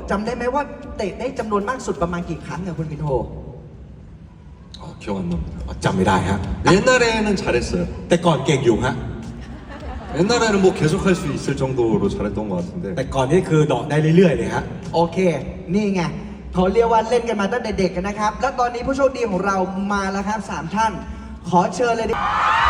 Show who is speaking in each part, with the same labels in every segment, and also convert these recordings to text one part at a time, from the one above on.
Speaker 1: จำได้ไหมว่าเตะได้จำนวนมากสุดประมาณกี่ครั้งอะคุณมินโฮ
Speaker 2: 기억 안 납니다.
Speaker 3: จำไม่ได้ฮะ
Speaker 2: 옛날에는 잘했어요.
Speaker 3: แต่ก่อนเก่งอยู่ฮะ
Speaker 2: 옛날에는 뭐 계속할 수 있을 정도로 잘했던 것 같은데.
Speaker 3: แต่ก่อนนี่คือดอกได้เรื่อยๆเลยฮะ
Speaker 1: โอเค นี่ไงเขาเรียกว่าเล่นกันมาตั้งแต่เด็กกันนะครับ แล้วตอนนี้ผู้โชคดีของเรามาแล้วครับ3ท่าน ขอเชิญเลยดิ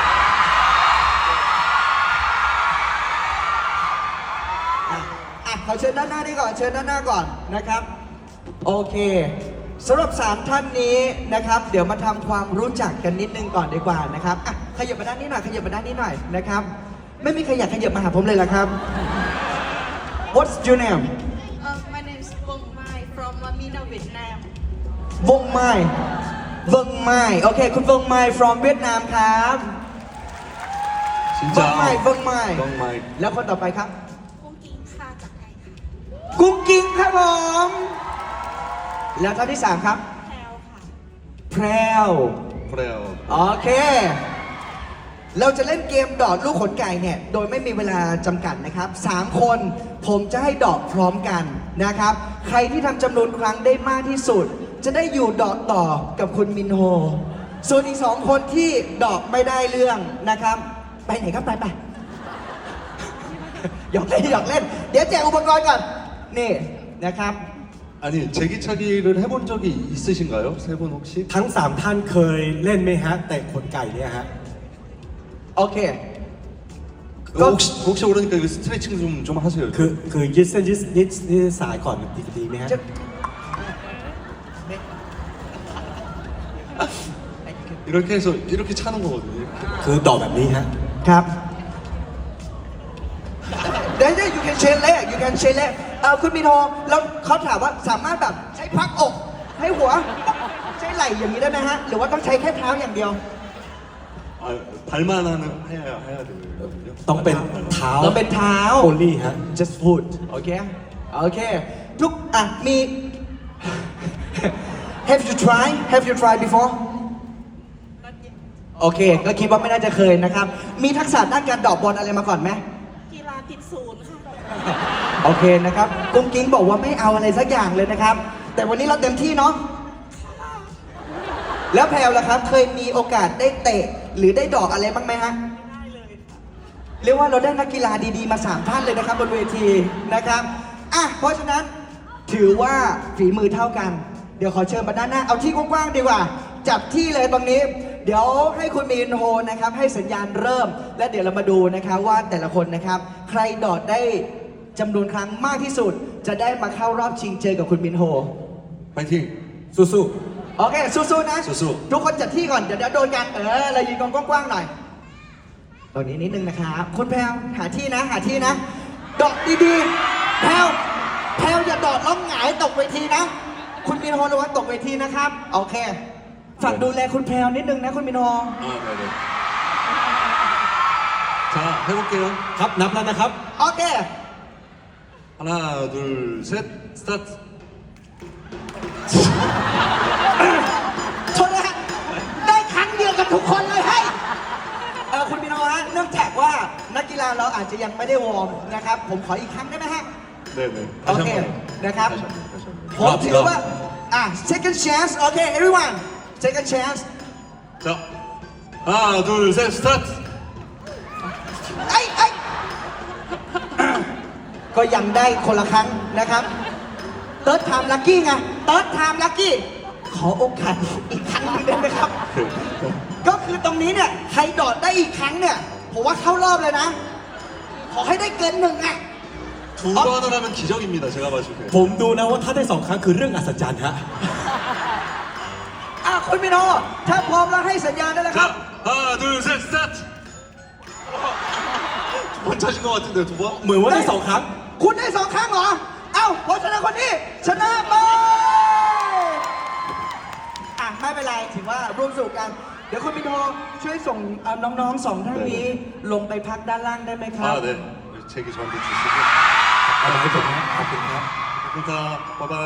Speaker 1: ขอเชิญด้านหน้านี่ก่อน เชิญด้านหน้าก่อนนะครับ โอเคสำหรับ3ท่านนี้นะครับ เดี๋ยวมาทำความรู้จักกันนิดนึงก่อนดีกว่านะครับขยับมาด้านนี้หน่อย ขยับมาด้านนี้หน่อยนะครับ ไม่มีใครอยากขยับมาหาผมเลยเหรอครับ What's your name
Speaker 4: My name is Vong Mai from Mina, Vietnam.
Speaker 1: วงไม้วงไม้โอเค คุณวงไม้ from เวียดนามครับ
Speaker 2: 진짜.
Speaker 1: วงไม้วงไม้
Speaker 2: 정말.
Speaker 1: แล้วคนต่อไปครับ
Speaker 4: Cung Kim Khaจากไทยค่ะ
Speaker 1: กุ้งกิ้งครับผมแล้วท่านที่3ครับ
Speaker 4: แพรวค่ะ
Speaker 1: แพรว
Speaker 2: 그래요.
Speaker 1: โอเค เราจะเล่นเกมดอดลูกขนไก่เนี่ย โดยไม่มีเวลาจำกัดนะครับ3คนผมจะให้ดอกพร้อมกันนะครับ ใครที่ทำจำนวนครั้งได้มากที่สุด จะได้อยู่ดอกต่อกับคุณมินโฮ ส่วนอีก2คนที่ดอกไม่ได้เรื่องนะครับ ไปไหนครับไปหยอกเล่นหยอกเล่น เดี๋ยวแจกอุปกรณ์ก่อน นี่นะครับ
Speaker 2: 아니 제기차기를 해본 적이 있으신가요? 세 분 혹시?
Speaker 3: ทั้ง 3 ท่านเคยเล่นไหมฮะ แต่ขนไก่เนี่ยฮะ
Speaker 1: โอเค
Speaker 2: 혹시 그러니까 이거 스트레칭 좀 하세요.
Speaker 3: คือยืดเส้นยืดสายก่อนดีไหมฮะ
Speaker 1: จะ
Speaker 2: 이렇게 해서 이렇게 차는 거거든요. 이렇게.
Speaker 3: คือดอกแบบนี้ฮะ
Speaker 1: ครับเดี๋ยว you can shake leg you can shake leg คุณมินโฮแล้วเขาถามว่าสามารถแบบใช้พักอกให้หัวใช้ไหล่อย่างนี้ได้ไหมฮะ หรือว่าต้องใช้แค่เท้าอย่างเดียว
Speaker 2: 아, 발만 해야 되거든요.
Speaker 3: ต้องเป็นเท้า
Speaker 1: เราเป็นเท้า
Speaker 3: only ฮะ
Speaker 1: just foot โอเค โอเค ทุกมี have you tried before โอเค ก็คิดว่าไม่น่าจะเคยนะครับ มีทักษะด้านการเดอกบอลอะไรมาก่อนไหม
Speaker 4: กีฬาติดศูนย์ค่ะ
Speaker 1: โอเคนะครับกุ้งกิ้งบอกว่าไม่เอาอะไรสักอย่างเลยนะครับ แต่วันนี้เราเต็มที่เนาะ แล้วแพลวล่ะครับ เคยมีโอกาสได้เตะหรือได้ดอกอะไรบ้างไหมฮะ
Speaker 4: ได้เลยค่ะ
Speaker 1: เรียกว่าเราได้นักกีฬาดีๆมา3ท่านเลยนะครับบนเวทีนะครับเพราะฉะนั้นถือว่าฝีมือเท่ากัน เดี๋ยวขอเชิญมาด้านหน้า เอาที่กว้างๆดีกว่า จับที่เลยตรงนี้ เดี๋ยวให้คุณมินโฮนะครับให้สัญญาณเริ่ม และเดี๋ยวเรามาดูนะครับว่าแต่ละคนนะครับ ใครดอดได้จำนวนครั้งมากที่สุด จะได้มาเข้ารอบชิงเจอกับคุณมินโฮ
Speaker 2: 파이팅.
Speaker 3: สู้
Speaker 1: โอเค สู้ๆนะ
Speaker 2: สู้
Speaker 1: ทุกคนจัดที่ก่อน เดี๋ยวโดนกันเรายืนกองกว้างๆหน่อยตรงนี้นิดนึงนะครับคุณแพลวหาที่นะ หาที่นะดอกดีๆแพลวอย่าดอดล้มหงายตกเวทีนะ คุณมินโฮระวังตกเวทีนะครับ โอเค ฝากดูแลคุณแพลวนิดนึงนะคุณมินโฮ
Speaker 2: 아, 네네. 자, 해볼게요.
Speaker 3: ๆ ครับนับแล้วนะครับ
Speaker 1: โอเค
Speaker 2: 하나, 둘, 셋, 스타트.
Speaker 1: โทษนะฮะได้ครั้งเดียวกับทุกคนเลยให้คุณมินโฮฮะเนื่องจากว่านักกีฬาเราอาจจะยังไม่ได้วอร์มนะครับ ผมขออีกครั้งได้ไหมฮะ
Speaker 2: 네네.
Speaker 1: โอเค นะครับ
Speaker 2: 다시 한 번.
Speaker 1: ผมถือว่าsecond chance โอเค everyone second chance
Speaker 2: 자, 하나, 둘, 셋, 스타트.
Speaker 1: ไอ้ก็ยังได้คนละครั้งนะครับ third time lucky ไง third time lucky ขอโอกาสอีกครั้งหนึงได้ไหมครับ ก็คือตรงนี้เนี่ย ใครดอดได้อีกครั้งเนี่ย ผมว่าเข้ารอบเลยนะ ขอให้ได้เกิน1อ่ะ
Speaker 2: 두 번을 하면 기적입니다. 제가 봤을 때.
Speaker 3: ผมดูนะว่าถ้าได้ 2 ครั้งคือเรื่องอัศจรรย์ฮะ
Speaker 1: คุณมิโนถ้าพร้อมแล้วให้สัญญาณได้แล้วครับ
Speaker 2: 자, 하나, 둘, 셋, 스타트. 두 번 차신 것 같은데 두 번?
Speaker 3: เหมือนว่าได้ 2 ครั้ง
Speaker 1: คุณได้2 ครั้งเหรอ เพราะฉะนั้นคนนี้ชนะไปไม่เป็นไรถือว่าร่วมสนุกกัน เดี๋ยวคุณมิโนช่วยส่งน้องๆ2 ท่านนี้ ลงไปพักด้านล่างได้ไหมครับ
Speaker 2: 아, 네. 책이 저한테 주시고.
Speaker 3: เอามาให้ผมนะขอบคุณครับ
Speaker 2: 감사합니다. 바이바이.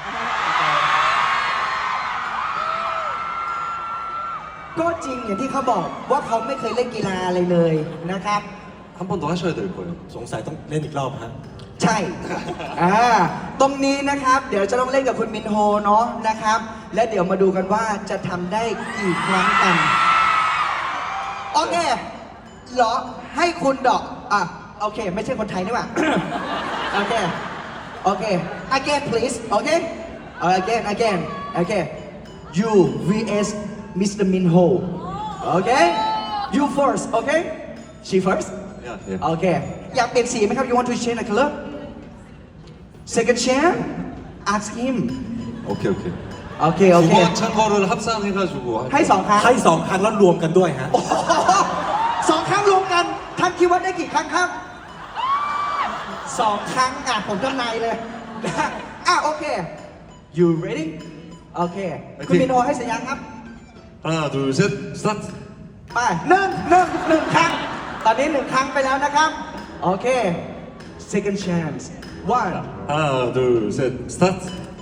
Speaker 1: ก็จริงอย่างที่เขาบอกว่าเขาไม่เคยเล่นกีฬาอะไรเลยนะครับ
Speaker 2: 한 번 더 하셔야 될 거예요.
Speaker 3: สงสัยต้องเล่นอีกรอบฮะ
Speaker 1: ใใช่ ตรงนี้นะครับ เดี๋ยวจะต้องเล่นกับคุณมินโฮเนาะนะครับ และเดี๋ยวมาดูกันว่าจะทำได้กี่ครั้งกัน โอเคเหรอ ให้คุณดอกโอเค ไม่ใช่คนไทยนี่หว่า โอเค โอเค again please โอเค again โอเค you vs Mr. Minho โอเค you first โอเค she first
Speaker 2: Yeah, yeah.
Speaker 1: โอเค อยากเปลี่ยนสีไหมครับ you want to change the color second chance ask him
Speaker 2: 오케이 오케이.
Speaker 1: โอเค โอเค
Speaker 2: 두 번 찬 거를 합산해가지고
Speaker 1: ให้สองครั้ง
Speaker 3: ให้สองครั้งแล้วรวมกันด้วยฮะ
Speaker 1: โอ้โหสองครั้งรวมกัน ท่านคิดว่าได้กี่ครั้งครับสองครั้งผมทำนายเลย โอเค you ready โอเค คุณมินโฮให้สัญญาณครับ
Speaker 2: 하나 둘셋 스타트.
Speaker 1: ไปหนึ่งครั้ง ตอนนี้หนึ่งครั้งไปแล้วนะครับ โอเค second chance one
Speaker 2: 하나 둘셋 스타트.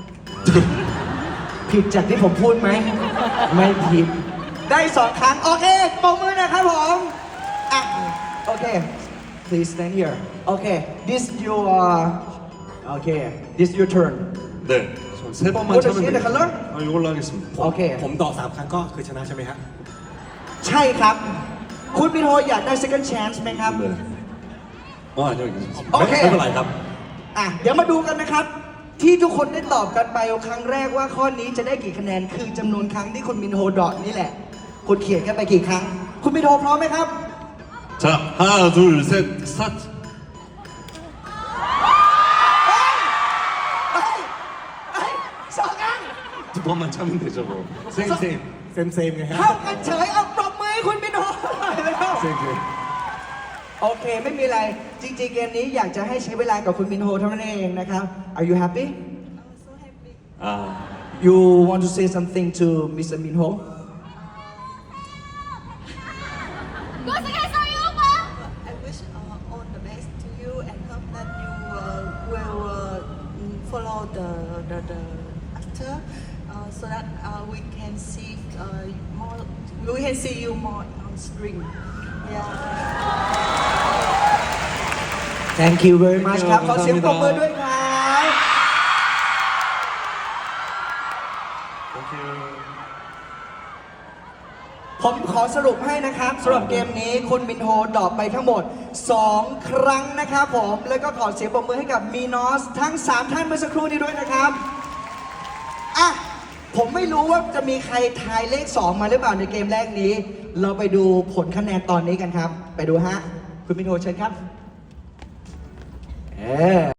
Speaker 1: ผิดจากที่ผมพูดไหม ไม่ผิด ได้สองครั้ง โอเคปรบมือนะครับผมโอเค please stand here โอเค this your โอเค this your turn
Speaker 2: 네. 세 번만
Speaker 1: What is
Speaker 2: 차면
Speaker 1: it, the color?
Speaker 2: 돼요. 이걸로 하겠습니다.
Speaker 1: โอเค
Speaker 3: ผมตอบสามครั้งก็คือชนะใช่ไหมฮะ
Speaker 1: ใช่ครับ คุณมินโฮอยากได้ second chance ไหมครับ
Speaker 2: 네. 아니요 괜찮습니다.
Speaker 1: โอเค
Speaker 3: ไม่เป็นไรครับ
Speaker 1: เดี๋ยวมาดูกันนะครับ ที่ทุกคนได้ตอบกันไปครั้งแรกว่าข้อนี้จะได้กี่คะแนน คือจำนวนครั้งที่คุณมินโฮดอทนี่แหละ คุณเขียนกันไปกี่ครั้ง คุณมินโฮพร้อมไหมครับ
Speaker 2: 자 하나 둘셋 스타트.
Speaker 1: สองครั้ง
Speaker 2: 두 번만 차면 되죠 뭐. 쌩쌩.
Speaker 3: เซมไงฮะ
Speaker 1: เท่ากันเฉยเอาปรบมือให้คุณมินโฮหน่อยแล้ว
Speaker 2: 쌩쌩.
Speaker 1: โอเค ไม่มีอะไร จริงๆ เกมนี้อยากจะให้ใช้เวลากับคุณมินโฮเท่านั้นเองนะครับ Are you happy?
Speaker 4: I'm so happy.
Speaker 2: 아
Speaker 1: You want to say something to Mr. Minho?
Speaker 4: I wish all the best to you and hope that you will follow the actor so that we can see more. We can see you more on screen. Yeah.
Speaker 1: Thank you very much ครับ ขอเสียงปรบมือด้วยครับ
Speaker 2: 땡큐.
Speaker 1: ผมขอสรุปให้นะครับสำหรับเกมนี้คุณมินโฮดรอปไปทั้งหมด 2 ครั้งนะครับผม แล้วก็ขอเสียงปรบมือให้กับมีนอสทั้ง 3 ท่านเมื่อสักครู่นี้ด้วยนะครับ ผมไม่รู้ว่าจะมีใครทายเลข 2 มาหรือเปล่าในเกมแรกนี้ เราไปดูผลคะแนนตอนนี้กันครับ ไปดูฮะ คุณมินโฮเชิญครับ